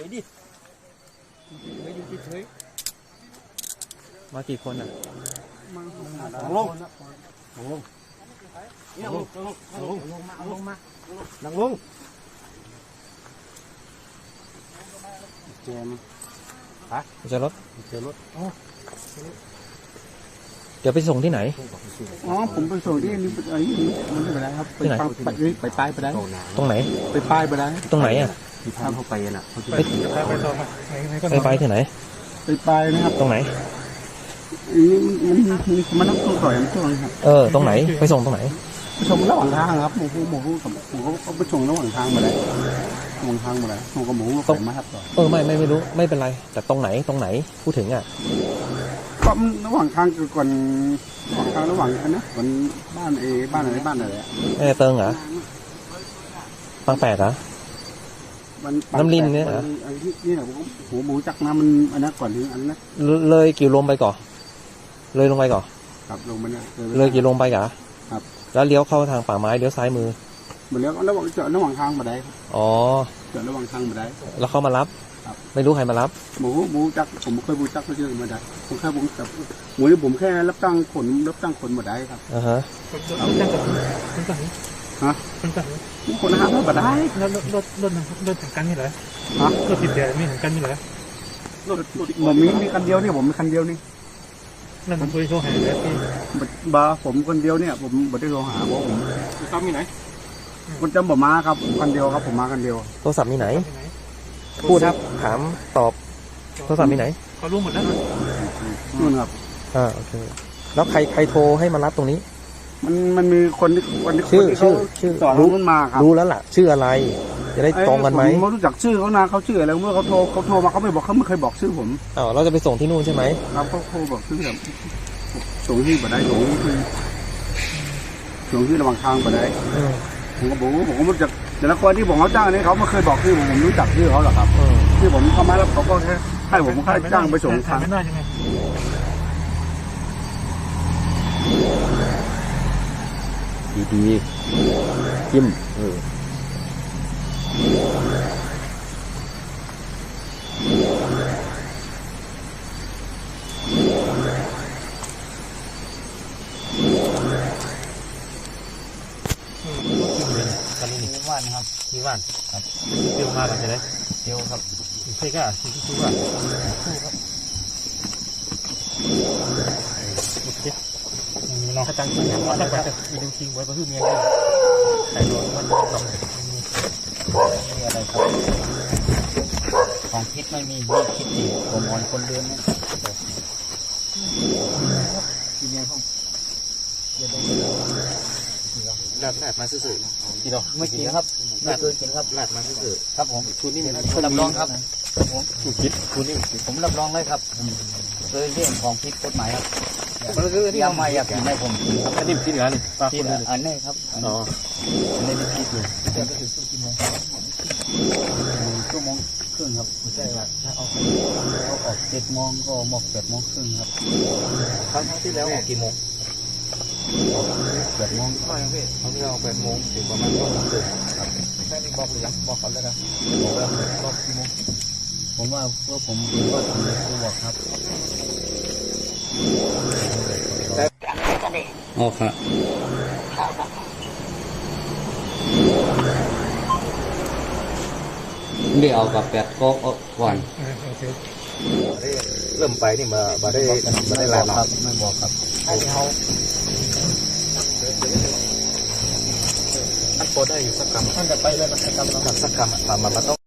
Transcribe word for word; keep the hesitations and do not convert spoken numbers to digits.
ยดิไม่อยู่เฉยมากี่คนอ่ะนั่งลงนั่งลงนั่งลงนั่งลงนั่งลงมานั่งลงเจมฮะเจอรถเจอรถเดี๋ยวไปส่งที่ไหนอ๋อผมไปส่งที่นี่ไอ้นี่มันไม่เป็นไรครับไปไปไปป้ายไปได้ตรงไหนไปป้ายไปได้ตรงไหนอ่ะที่พาเขาไปน่ะไปไปไปที่ไหนไปป้ายนะครับตรงไหนนี่มันมันมันต้องต่อยมันช่วงครับเออตรงไหนไปส่งตรงไหนไปส่งระหว่างทางครับหมูหมูหมูกับหมูเขาไปส่งระหว่างทางมาได้ระหว่างทางมาได้หมูกับหมูก็ไปมาครับเออไม่ไม่ไม่รู้ไม่เป็นไรแต่ตรงไหนตรงไหนพูดถึงอ่ะก็ระหว่างทางคือก่อนระหว่างทางระหว่างกันนะก่อนบ้านเอบ้านอะไรบ้านอะไรเออเติงเหรอปังแปดเหรอน้ำลินเนี่ยเหรอนี่แหละผมหัวหมูจักน้ำมันอันนั้นก่อนถึงอันนั้นเลยกี่ลมไปก่อนเลยลงไปก่อนครับลงมาเนี่ยเลยกี่ลมไปก่อนครับแล้วเลี้ยวเข้าทางป่าไม้เลี้ยวซ้ายมือเหมือนแล้วระหว่างเจาะระหว่างทางมาได้อ๋อเจาะระหว่างทางมาได้แล้วเขามารับไม่รู้ใครมารับหมูหมูจักผมเคยบูจักเขาเยอะมาได้ผมแค่ผมกับหมูนี่ผมแค่รับจ้างขนรับจ้างขนมาได้ครับอ่าฮะคนจังคนจังฮะคนจังคนห้ามมาได้รถรถรถรถรถถึงกันนี่เหรอฮะรถติดเดียวมีถึงกันนี่เหรอรถผมมีมีคันเดียวนี่ผมมีคันเดียวนี่นั่นผมไปโทรหาแล้วพี่บาผมคนเดียวเนี่ยผมไม่ได้โทรหาเพราะผมซ้ำมีไหนคนจำผมมาครับคนเดียวครับผมมาคนเดียวโทรศัพท์มีไหนพูดครับถามตอบโทรศัพท์มีไหนเขารู้หมดแล้วนู่นครับอ่าโอเคแล้วใครใครโทรให้มารับตรงนี้มันมันมีคนที่คนที่ชื่อชื่อชื่อสอนรู้มาครับรู้แล้วล่ะชื่ออะไรจะได้ตรงกันไหมผมรู้จักชื่อเขานะเขาชื่ออะไรเมื่อเขาโทรเขาโทรมาเขาไม่บอกเขาไม่เคยบอกชื่อผมอ้าวเราจะไปส่งที่นู่นใช่ไหมครับเขาโทรบอกชื่อแบบส่งที่บัดได้ส่งที่คือส่งที่ระหว่างทางบัดได้ผมก็บอกว่าผมก็รู้จักแต่ละคนที่ผมเขาจ้างนี่เขาไม่เคยบอกชื่อผมผมรู้จักชื่อเขาหรอกครับที่ผมเข้ามาแล้วเขาก็แค่ให้ผมค่าจ้างไปส่งทางดีดีจิ้มเออว่านครับที่ว่านครับเที่ยวมากันใช่ไหมเที่ยวครับใช่ก็ที่ที่ว่าคู่ครับโอเคมีน้องเขาตั้งใจว่าจะมีดึงคิงไว้เพื่อเมียใครโดนมันทำมีอะไรครับของพิษไม่มีมีพิษดีผมอ่อนคนเดินนะกินยังข้องลาดลาดมาซื่อๆกินหรอไม่กินครับไม่เคยกินครับลาดมาซื่อๆครับผมคุณนี่ผมรับรองครับผมคิดคุณนี่ผมรับรองเลยครับเคยเรื่องของพิษกฎหมายครับยาไม่อยากกินไม่ผมอันนี้ที่เหนือนี่ปลาคนอันนี้ครับอ๋ออันนี้ไม่พิษเลยจะไปถึงชั่วโมงชั่วโมงครึ่งครับไม่ใช่ว่าถ้าเอาเขาออกเจ็ดโมงก็หมกแปดโมงครึ่งครับครั้งที่แล้วออกกี่โมงแปดโมงก็ยังพี่ครั้งที่เราแปดโมงถึงประมาณก็โมงครึ่งครับแค่นี้บอกหรือยังบอกเขาแล้วนะบอกแล้วบอกกี่โมงผมว่าเพื่อผมก็ทำเลยกูบอกครับอ๋อครับเดี๋ยวเอากับแปดก็ก่อนเริ่มไปนี่มามาได้มาได้ลาหครับไม่บอกครับให้เขาท่านโพได้อยู่สักคำท่านจะไปเลยสักคำสักคำอ่ะมามาต้อง